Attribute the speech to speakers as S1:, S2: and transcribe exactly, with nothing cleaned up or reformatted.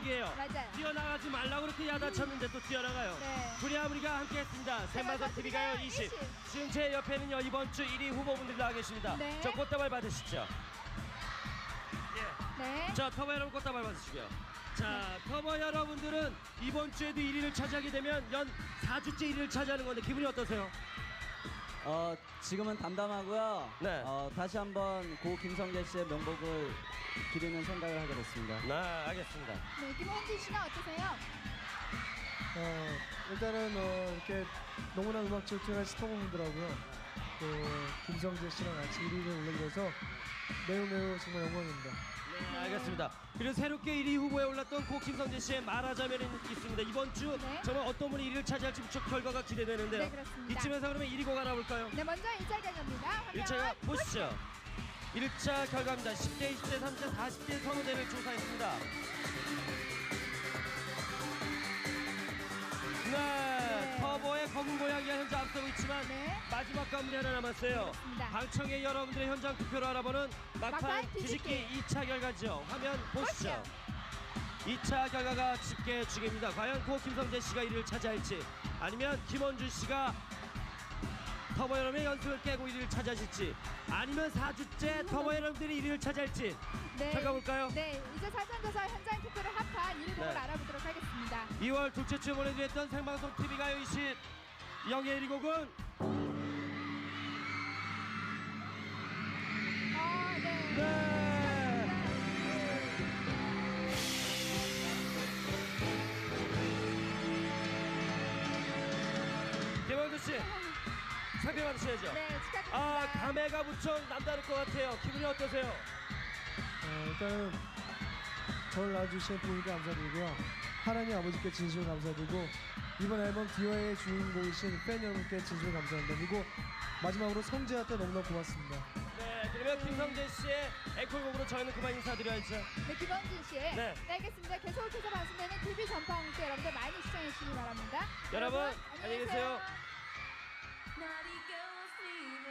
S1: 공격이에요.
S2: 맞아요.
S1: 뛰어나가지 말라고 그렇게 야단쳤는데 또 뛰어나가요.
S2: 네.
S1: 구리아무리가 함께했습니다. 생방송 티비가요 이십. 지금 제 옆에는요 이번 주 일 위 후보분들이 나와 계십니다.
S2: 네.
S1: 저 꽃다발 받으시죠. 예.
S2: 네.
S1: 자, 터보 여러분 꽃다발 받으시고요. 자, 터보 여러분들은 이번 주에도 일 위를 차지하게 되면 연 사 주째 일 위를 차지하는 건데 기분이 어떠세요?
S3: 어, 지금은 담담하고요.
S1: 네.
S3: 어, 다시 한번 고 김성재 씨의 명복을 기리는 생각을 하게 됐습니다.
S1: 네, 알겠습니다.
S2: 네, 김원진 씨는 어떠세요?
S4: 어, 일단은 어, 이렇게 너무나 음악 질투가 스토분들하고요. 또 김성재 씨랑 같이 일 위를 올리게 돼서 매우 매우 정말 영광입니다.
S1: 네, 알겠습니다. 그리고 새롭게 일 위 후보에 올랐던 고 김성재 씨의 말하자면이 있습니다. 이번 주
S2: 네.
S1: 정말 어떤 분이 일 위를 차지할지 무척 결과가 기대되는데요.
S2: 네, 그렇습니다.
S1: 이쯤에서 그러면 일 위 곡 알아볼까요?
S2: 네, 먼저 일 차 결과입니다. 화면
S1: 일 차 보시죠. 일 차 결과입니다. 십 대, 이십 대, 삼십 대, 사십 대 선호대를 조사했습니다. 네,
S2: 네.
S1: 터보의 검은 고양이가 현재 앞서고 있지만
S2: 네.
S1: 마지막 관문이 하나 남았어요.
S2: 그렇습니다.
S1: 방청객 여러분들의 현장 투표를 알아보는 막판
S2: 막판
S1: 뒤집기
S2: 뒤집기.
S1: 이 차 결과죠. 화면 보시죠.
S2: 보시죠.
S1: 이 차 결과가 집계 중입니다. 과연 고 김성재 씨가 일 위를 차지할지 아니면 김원준 씨가 터보 여러분의 연습을 깨고 일 위를 차지하실지 아니면 사 주째 터보 여러분들이 일 위를 차지할지
S2: 네.
S1: 결과 볼까요?
S2: 네, 이제 사전조사 현장 투표를 합한 일 위 곡을
S1: 네.
S2: 알아보도록 하겠습니다.
S1: 이월 둘째 주에 보내드렸던 생방송 티비가요 이십 영예 일 위 곡은
S2: 아, 네.
S1: 네. 김원준 씨 상대 받으셔야죠.
S2: 네, 축하드립니다.
S1: 아, 감회가 무척 남다를 것 같아요. 기분이 어떠세요?
S4: 어, 일단은 저를 낳아주신 부모님께 감사드리고요. 하나님 아버지께 진심으로 감사드리고 이번 앨범 디와의 주인공이신 팬 여러분께 진심으로 감사합니다. 그리고 마지막으로 성재한테 너무나 고맙습니다.
S1: 네, 그러면 김성재 씨의 앵콜곡으로 저희는 그만 인사드려야죠.
S2: 네, 김원진 씨.
S1: 네.
S2: 네, 알겠습니다. 계속해서 방송되는 티비 전파홍대 여러분들 많이 시청해 주시기 바랍니다.
S1: 여러분, 안녕히 계세요.
S5: Naughty girls need